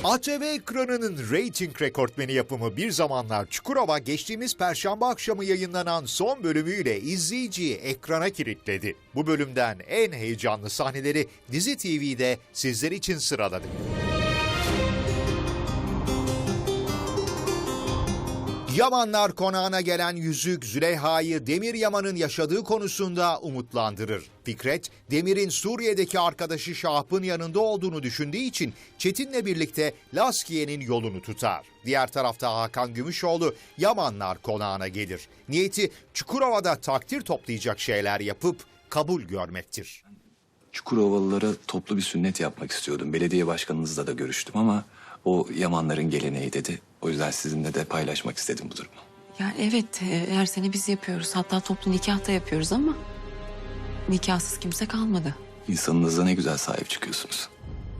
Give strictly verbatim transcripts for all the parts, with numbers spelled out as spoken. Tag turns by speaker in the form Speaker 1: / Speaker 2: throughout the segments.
Speaker 1: A T V ekranının reyting rekortmeni yapımı Bir Zamanlar Çukurova geçtiğimiz Perşembe akşamı yayınlanan son bölümüyle izleyiciyi ekrana kilitledi. Bu bölümden en heyecanlı sahneleri Dizi T V'de sizler için sıraladık. Yamanlar konağına gelen yüzük Züleyha'yı Demir Yaman'ın yaşadığı konusunda umutlandırır. Fikret, Demir'in Suriye'deki arkadaşı Şahap'ın yanında olduğunu düşündüğü için Çetin'le birlikte Laskiye'nin yolunu tutar. Diğer tarafta Hakan Gümüşoğlu Yamanlar konağına gelir. Niyeti Çukurova'da takdir toplayacak şeyler yapıp kabul görmektir.
Speaker 2: Çukurovalılara toplu bir sünnet yapmak istiyordum. Belediye başkanınızla da görüştüm ama o Yamanların geleneği dedi. O yüzden sizinle de paylaşmak istedim bu durumu.
Speaker 3: Ya evet, e, her sene biz yapıyoruz. Hatta toplu nikah da yapıyoruz ama nikahsız kimse kalmadı.
Speaker 2: İnsanınıza ne güzel sahip çıkıyorsunuz.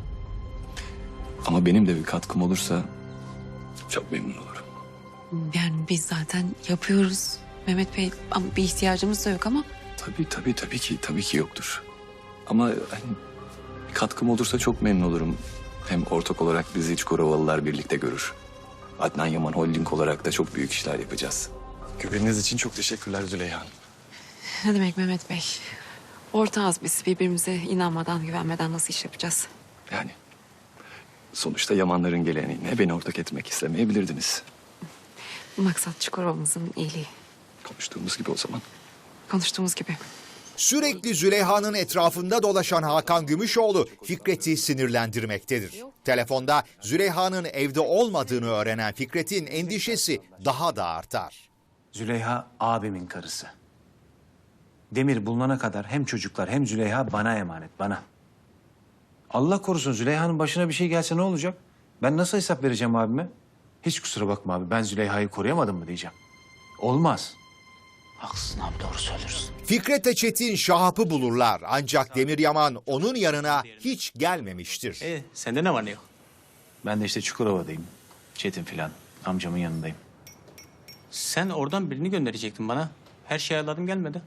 Speaker 2: Ama benim de bir katkım olursa çok memnun olurum.
Speaker 3: Yani biz zaten yapıyoruz Mehmet Bey, ama bir ihtiyacımız da yok ama.
Speaker 2: Tabii tabii tabii ki tabii ki yoktur. Ama hani bir katkım olursa çok memnun olurum. Hem ortak olarak bizi Çukurovalılar birlikte görür. Adnan Yaman Holding olarak da çok büyük işler yapacağız. Güveniniz için çok teşekkürler Züleyha Hanım.
Speaker 3: Ne demek Mehmet Bey? Ortağız biz, birbirimize inanmadan, güvenmeden nasıl iş yapacağız?
Speaker 2: Yani sonuçta Yamanların geleneğine beni ortak etmek istemeyebilirdiniz.
Speaker 3: Maksat Çukurova'mızın iyiliği.
Speaker 2: Konuştuğumuz gibi o zaman.
Speaker 3: Konuştuğumuz gibi.
Speaker 1: Sürekli Züleyha'nın etrafında dolaşan Hakan Gümüşoğlu Fikret'i sinirlendirmektedir. Telefonda Züleyha'nın evde olmadığını öğrenen Fikret'in endişesi daha da artar.
Speaker 4: Züleyha abimin karısı. Demir bulunana kadar hem çocuklar hem Züleyha bana emanet, bana. Allah korusun Züleyha'nın başına bir şey gelse ne olacak? Ben nasıl hesap vereceğim abime? Hiç kusura bakma abi, ben Züleyha'yı koruyamadım mı diyeceğim. Olmaz.
Speaker 5: Haklısın abi, doğru söylüyorsun.
Speaker 1: Fikret'le Çetin Şahap'ı bulurlar ancak Demir Yaman onun yanına hiç gelmemiştir.
Speaker 5: E, sende ne var ne yok?
Speaker 4: Ben de işte Çukurova'dayım. Çetin filan. Amcamın yanındayım.
Speaker 5: Sen oradan birini gönderecektin bana. Her şeyi ayarladım, gelmedi.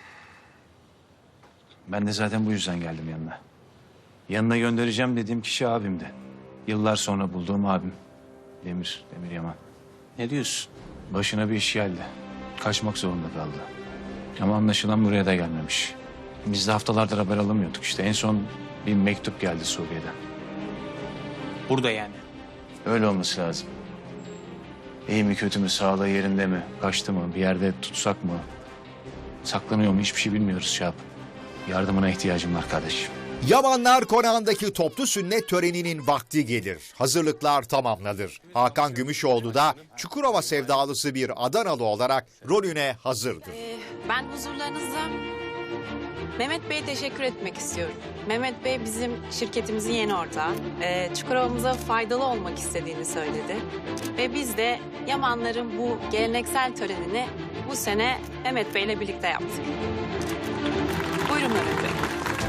Speaker 4: Ben de zaten bu yüzden geldim yanına. Yanına göndereceğim dediğim kişi abimdi. Yıllar sonra bulduğum abim. Demir, Demir Yaman.
Speaker 5: Ne diyorsun?
Speaker 4: Başına bir iş geldi. Kaçmak zorunda kaldı. Ama anlaşılan buraya da gelmemiş. Biz de haftalardır haber alamıyorduk işte. En son bir mektup geldi Suriye'den.
Speaker 5: Burada yani.
Speaker 4: Öyle olması lazım. İyi mi kötü mü, sağlığı yerinde mi, kaçtı mı, bir yerde tutsak mı, saklanıyor mu hiçbir şey bilmiyoruz Şahap. Yardımına ihtiyacım var kardeşim.
Speaker 1: Yamanlar konağındaki toplu sünnet töreninin vakti gelir. Hazırlıklar tamamlanır. Hakan Gümüşoğlu da Çukurova sevdalısı bir Adanalı olarak rolüne hazırdır.
Speaker 3: Ee, ben huzurlarınızda Mehmet Bey'e teşekkür etmek istiyorum. Mehmet Bey bizim şirketimizin yeni ortağı. Ee, Çukurova'mıza faydalı olmak istediğini söyledi. Ve biz de Yamanların bu geleneksel törenini bu sene Mehmet Bey'le birlikte yaptık. Buyurun Mehmet Bey.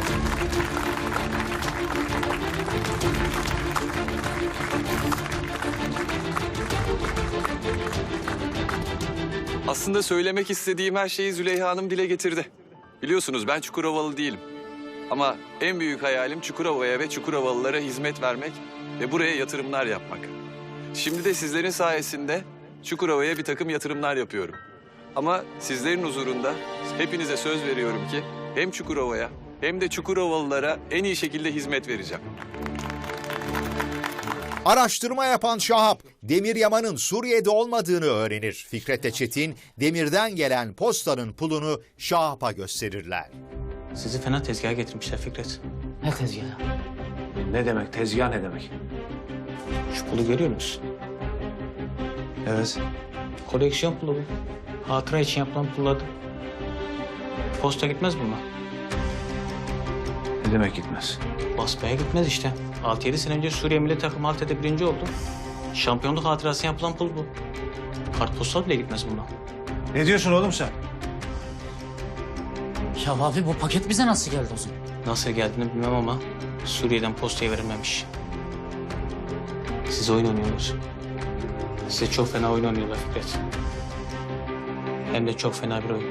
Speaker 2: Aslında söylemek istediğim her şeyi Züleyha Hanım dile getirdi. Biliyorsunuz ben Çukurovalı değilim. Ama en büyük hayalim Çukurova'ya ve Çukurovalılara hizmet vermek ve buraya yatırımlar yapmak. Şimdi de sizlerin sayesinde Çukurova'ya bir takım yatırımlar yapıyorum. Ama sizlerin huzurunda hepinize söz veriyorum ki hem Çukurova'ya hem de Çukurovalılara en iyi şekilde hizmet vereceğim.
Speaker 1: Araştırma yapan Şahap, Demir Yaman'ın Suriye'de olmadığını öğrenir. Fikret'le Çetin, Demir'den gelen postanın pulunu Şahap'a gösterirler.
Speaker 5: Sizi fena tezgaha getirmişler Fikret.
Speaker 6: Ne tezgahı?
Speaker 4: Ne demek, tezgah ne demek?
Speaker 5: Şu pulu görüyor musun?
Speaker 4: Evet.
Speaker 5: Koleksiyon pulu bu. Hatıra için yapılan pulladı. Posta gitmez mi buna?
Speaker 4: Ne demek gitmez?
Speaker 5: Basmaya gitmez işte. altı yedi sene önce Suriye milli takımı Halter'de birinci oldu. Şampiyonluk hatırası yapılan pul bu. Kartpostal bile gitmez buna.
Speaker 4: Ne diyorsun oğlum sen?
Speaker 6: Ya abi bu paket bize nasıl geldi o zaman?
Speaker 5: Nasıl geldiğini bilmem ama Suriye'den postaya verilmemiş. Siz oyun oynuyorsunuz. Size çok fena oyun oynuyorlar Fikret. Hem de çok fena bir oyun.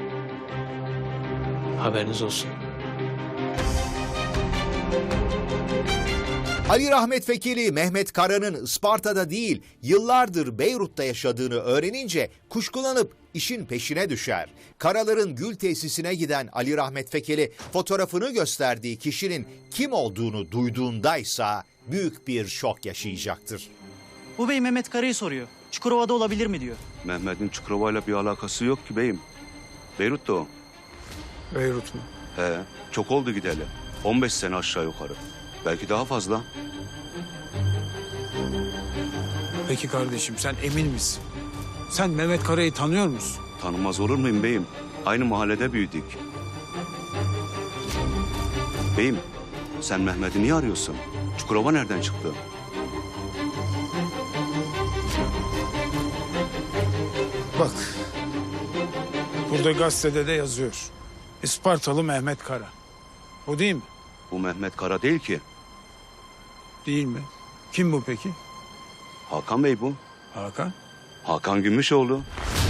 Speaker 5: Haberiniz olsun.
Speaker 1: Ali Rahmet Fekeli, Mehmet Kara'nın Isparta'da değil, yıllardır Beyrut'ta yaşadığını öğrenince kuşkulanıp işin peşine düşer. Karaların gül tesisine giden Ali Rahmet Fekeli, fotoğrafını gösterdiği kişinin kim olduğunu duyduğundaysa büyük bir şok yaşayacaktır.
Speaker 7: Bu bey Mehmet Kara'yı soruyor. Çukurova'da olabilir mi diyor.
Speaker 8: Mehmet'in Çukurova'yla bir alakası yok ki beyim. Beyrut'ta o.
Speaker 9: Beyrut mu?
Speaker 8: He, çok oldu gideli. on beş sene aşağı yukarı. Belki daha fazla.
Speaker 9: Peki kardeşim sen emin misin? Sen Mehmet Kara'yı tanıyor musun?
Speaker 8: Tanımaz olur muyum beyim? Aynı mahallede büyüdük. Beyim, sen Mehmet'i niye arıyorsun? Çukurova nereden çıktı?
Speaker 9: Bak. Burada gazetede de yazıyor. Ispartalı Mehmet Kara. O değil mi?
Speaker 8: Bu Mehmet Kara değil ki.
Speaker 9: Değil mi? Kim bu peki?
Speaker 8: Hakan Bey bu.
Speaker 9: Hakan.
Speaker 8: Hakan Gümüşoğlu.